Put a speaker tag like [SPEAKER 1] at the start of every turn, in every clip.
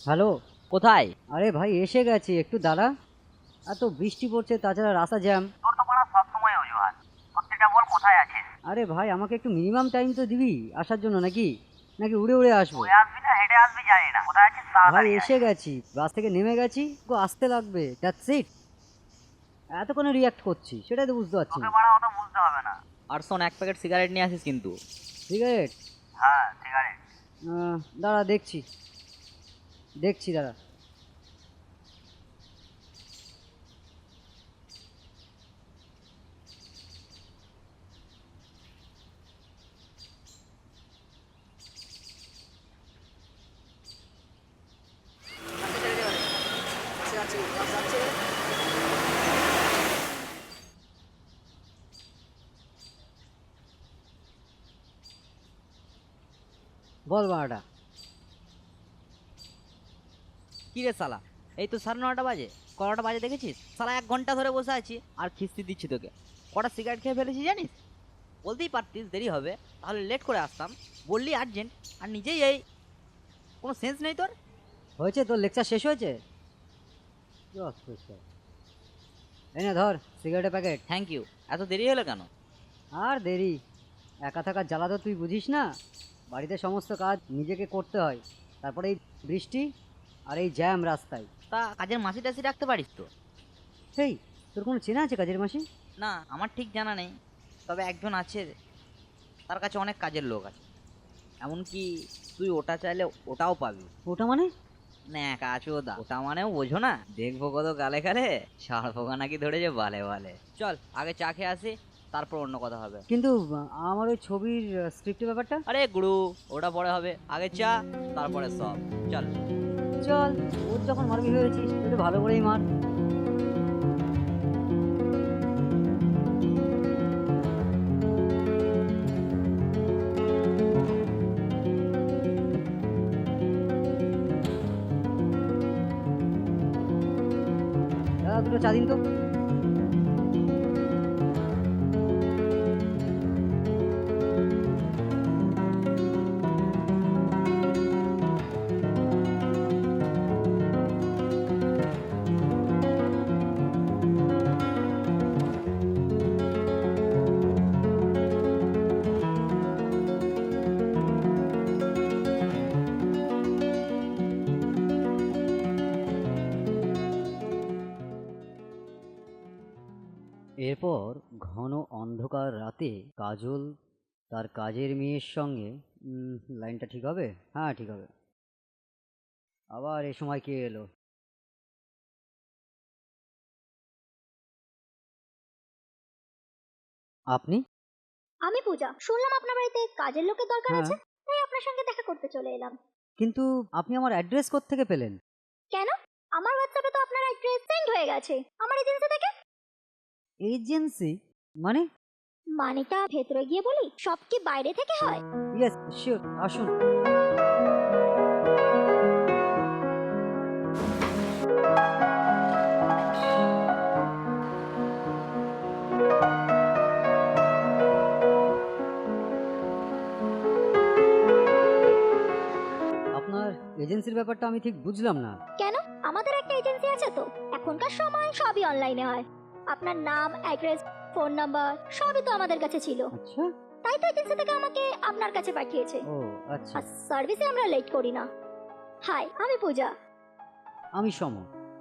[SPEAKER 1] Hello.
[SPEAKER 2] কোথায়?
[SPEAKER 1] আরে ভাই এসে গেছি, একটু দাঁড়া। এত বৃষ্টি পড়ছে, তাছাড়া রাস্তা জ্যাম।
[SPEAKER 2] তোর তো পড়া সবসময় অজুহাত। সত্যিটা বল, কোথায় আছিস?
[SPEAKER 1] আরে ভাই আমাকে একটু মিনিমাম টাইম তো দিবি আসার জন্য, নাকি নাকি উড়ে উড়ে আসবো?
[SPEAKER 2] তুই আসবি না হেঁটে আসবি জানি না, কোথায় আছিস
[SPEAKER 1] ভাই
[SPEAKER 2] তাড়াতাড়ি আয়।
[SPEAKER 1] এসে গেছি, বাস থেকে নেমে গেছি, তো আসতে লাগবে, দ্যাটস ইট। এত কোনো রিয়াক্ট করছি সেটাই তো বুঝতে পারছি
[SPEAKER 2] তোকে
[SPEAKER 1] না।
[SPEAKER 2] পড়া অত বুঝতে হবে না। আর শোন, এক প্যাকেট সিগারেট নিয়ে আসিস কিন্তু।
[SPEAKER 1] সিগারেট?
[SPEAKER 2] হ্যাঁ, সিগারেট।
[SPEAKER 1] দাঁড়া দেখছি, দেখছি দাঁড়া। বল বাড়াটা।
[SPEAKER 2] কি রে শালা, এই তো 9:30 বাজে। কটা বাজে দেখেছিস? শালা 1 ঘন্টা ধরে বসে আছি আর খিস্তি দিচ্ছি তোকে। কটা সিগারেট খেয়ে ফেলেছি জানিস? বলতেই পারতিস দেরি হবে, তাহলে লেট করে আসতাম। বললি আর্জেন্ট, আর নিজেই এই। কোনো সেন্স নেই তোর।
[SPEAKER 1] হয়েছে তোর লেকচার, শেষ হয়েছে? এই না ধর সিগারেটের প্যাকেট।
[SPEAKER 2] Thank you. এত দেরি হলো কেন?
[SPEAKER 1] আর দেরি, একা থাকার জ্বালা তো তুই বুঝিস না। বাড়িতে সমস্ত কাজ নিজেকে করতে হয়, তারপরে এই বৃষ্টি আর এই জ্যাম রাস্তায়।
[SPEAKER 2] তা কাজের মাসি টাসি রাখতে পারিস তো?
[SPEAKER 1] সেই, তোর কোনো চেনা আছে কাজের মাসি?
[SPEAKER 2] না, আমার ঠিক জানা নেই। তবে একজন আছে, তার কাছে অনেক কাজের লোক আছে। এমনকি তুই ওটা চাইলে ওটাও পাবি।
[SPEAKER 1] ওটা মানে?
[SPEAKER 2] ন্যাকা চোদা, ওটা মানেও বোঝো না? দেখবো কত গালে গালে, ষাঁড় পোকা নাকি ধরেছে বালে বালে। চল আগে চা খেয়ে আসি, তারপর অন্য কথা হবে।
[SPEAKER 1] কিন্তু আমার ওই ছবির স্ক্রিপ্টের ব্যাপারটা।
[SPEAKER 2] আরে গুরু, ওটা পরে হবে, আগে চা তারপরে সব। চল।
[SPEAKER 1] চল, ওর যখন মারবি হয়েছিস একটু ভালো করেই মার। দাদা দুটো চা দিন তো। এরপর ঘন অন্ধকার রাতে কাজল তার কাজের মেয়ের সঙ্গে, লাইনটা ঠিক হবে? হ্যাঁ ঠিক হবে। আবার এ সময় কে এলো? আপনি?
[SPEAKER 3] আমি পূজা, শুনলাম আপনার বাড়িতে কাজের লোকের দরকার
[SPEAKER 1] হ্যাঁ,
[SPEAKER 3] আছে, তাই আপনার সঙ্গে দেখা করতে চলে এলাম।
[SPEAKER 1] কিন্তু আপনি আমার অ্যাড্রেস কোত্থেকে পেলেন?
[SPEAKER 3] কেন? আমার হোয়াটসঅ্যাপে তো আপনার অ্যাড্রেস সেন্ড হয়ে গেছে আমার এজেন্সি থেকে।
[SPEAKER 1] এজেন্সি মানে?
[SPEAKER 3] মানেটা ভেতরে গিয়ে বলি, সব কি বাইরে থেকে হয়?
[SPEAKER 1] ইয়েস শিওর, আসুন। আপনার এজেন্সির ব্যাপারটা আমি ঠিক বুঝলাম না।
[SPEAKER 3] কেন? আমাদের একটা এজেন্সি আছে তো। এখনকার সময় সবই অনলাইনে হয়। আপনার নাম, অ্যাড্রেস, ফোন নাম্বার সবই তো আমাদের কাছে ছিল।
[SPEAKER 1] আচ্ছা।
[SPEAKER 3] তাই তো এজেন্সি থেকে আমাকে আপনার কাছে পাঠিয়েছে।
[SPEAKER 1] ও আচ্ছা।
[SPEAKER 3] আর সার্ভিসে আমরা লেট করি না। হাই, আমি পূজা।
[SPEAKER 1] আমি সম।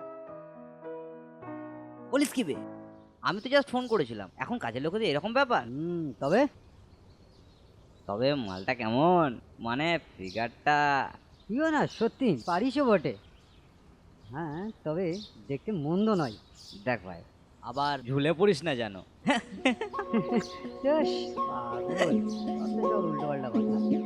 [SPEAKER 2] বলিস কি বে, আমি তো জাস্ট ফোন করেছিলাম। এখন কাজের লোকেদের এরকম ব্যাপার?
[SPEAKER 1] তবে
[SPEAKER 2] তবে মালটা কেমন, মানে ফিগারটা?
[SPEAKER 1] তুইও না সত্যি পারিসও বটে। হ্যাঁ, তবে দেখতে মন্দ নয়।
[SPEAKER 2] দেখ ভাই, আবার ঝুলে পড়িস না যেন।
[SPEAKER 1] বেশ পাগল, উল্টো পাল্টা কথা।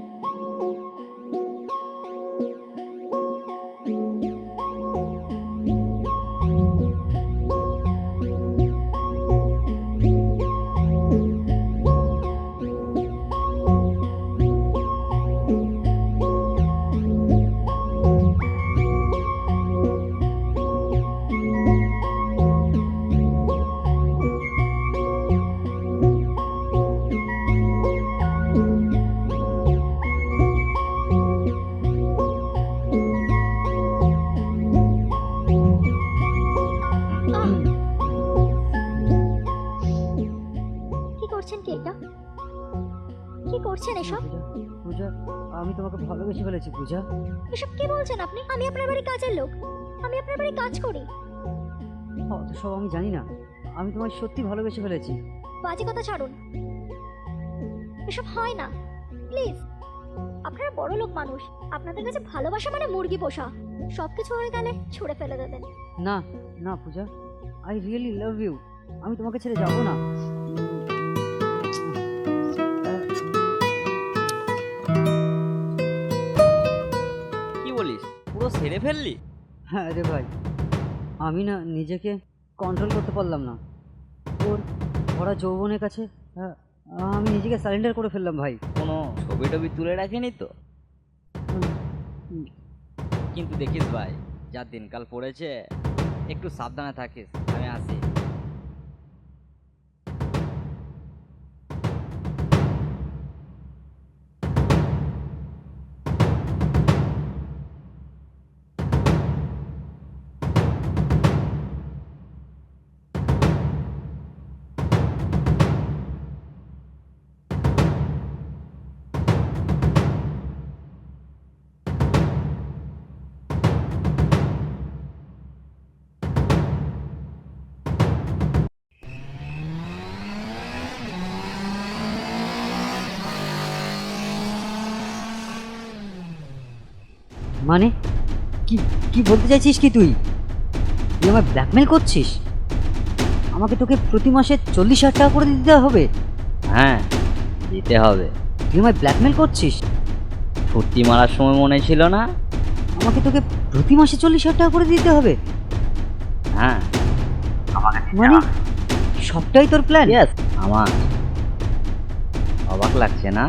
[SPEAKER 3] এটা? কি করছেন এসব?
[SPEAKER 1] পূজা, আমি তোমাকে ভালোবেসে ফেলেছি পূজা।
[SPEAKER 3] এসব কি বলছেন আপনি? আমি আপনার বাড়ি কাজের লোক, আমি আপনার বাড়ি কাজ করি।
[SPEAKER 1] অত সব আমি জানি না, আমি তোমায় সত্যি ভালোবেসে ফেলেছি।
[SPEAKER 3] বাজে কথা ছাড়ুন, এসব হয় না, প্লিজ। আপনারা বড় লোক মানুষ, আপনাদের কাছে ভালোবাসা মানে মুরগি পোষা, সবকিছু হয়ে গেলে ছুঁড়ে ফেলে দেবেন।
[SPEAKER 1] না না Puja, I really love you, আমি তোমাকে ছেড়ে যাবো না।
[SPEAKER 2] কি বলিস, পুরো সেরে ফেললি?
[SPEAKER 1] হ্যাঁ রে ভাই, আমি না নিজেকে কন্ট্রোল করতে পারলাম না। ওর ভরা যৌবনের কাছে আমি নিজেকে সারেন্ডার করে ফেললাম ভাই।
[SPEAKER 2] কোনো ছবি টবি তুলে রাখেনি তো?
[SPEAKER 1] উম,
[SPEAKER 2] কিন্তু দেখিস ভাই, যা দিনকাল পড়েছে, একটু সাবধানে থাকিস। আমি আসি।
[SPEAKER 1] মানে কি কি বলতে চাইছিস কি তুই? তুই আমায় ব্ল্যাকমেল করছিস? আমাকে তোকে প্রতি মাসে 40,000 টাকা করে দিতে হবে?
[SPEAKER 2] হ্যাঁ, দিতে হবে।
[SPEAKER 1] তুই আমায় ব্ল্যাকমেল করছিস?
[SPEAKER 2] ফুর্তি মারার সময় মনে ছিল না?
[SPEAKER 1] আমাকে তোকে প্রতি মাসে 40,000 টাকা করে দিতে হবে?
[SPEAKER 2] হ্যাঁ,
[SPEAKER 1] মানে সবটাই তোর প্ল্যান?
[SPEAKER 2] ইয়েস, আমার। অবাক লাগছে না?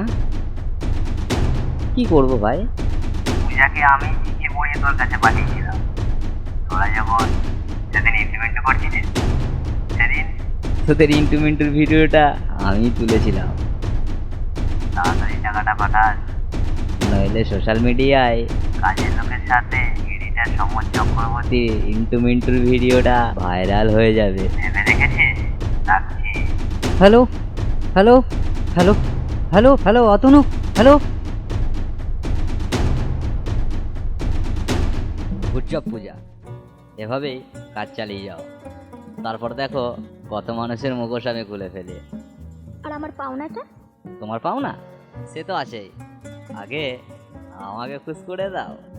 [SPEAKER 2] কি করব ভাই?
[SPEAKER 4] পূজাকে আমি চিঠি পড়িয়ে তোর কাছে পাঠিয়েছিলাম। তোরা যখন সেদিন ইমপ্লিমেন্ট করছিলিস, সেদিন
[SPEAKER 2] তোদের ইন্টু মিন্টুর ভিডিওটা আমি তুলেছিলাম।
[SPEAKER 4] তাড়াতাড়ি টাকাটা পাঠাস,
[SPEAKER 2] নইলে সোশ্যাল মিডিয়ায়
[SPEAKER 4] কাজের লোকের সাথে এডিটার সমর চক্রবর্তী
[SPEAKER 2] ইন্টু মিন্টুর ভিডিওটা ভাইরাল হয়ে যাবে।
[SPEAKER 4] ভেবে রেখেছিস? রাখছি।
[SPEAKER 1] Hello hello hello hello hello Atanu, hello.
[SPEAKER 2] Good job Puja, এভাবেই কাজ চালিয়ে যাও। তারপর দেখো কত মানুষের মুখোশ আমি খুলে ফেলি।
[SPEAKER 3] আর আমার পাওনাটা?
[SPEAKER 2] তোমার পাও না, সে তো আছেই। আগে আমাকে খুশ করে দাও।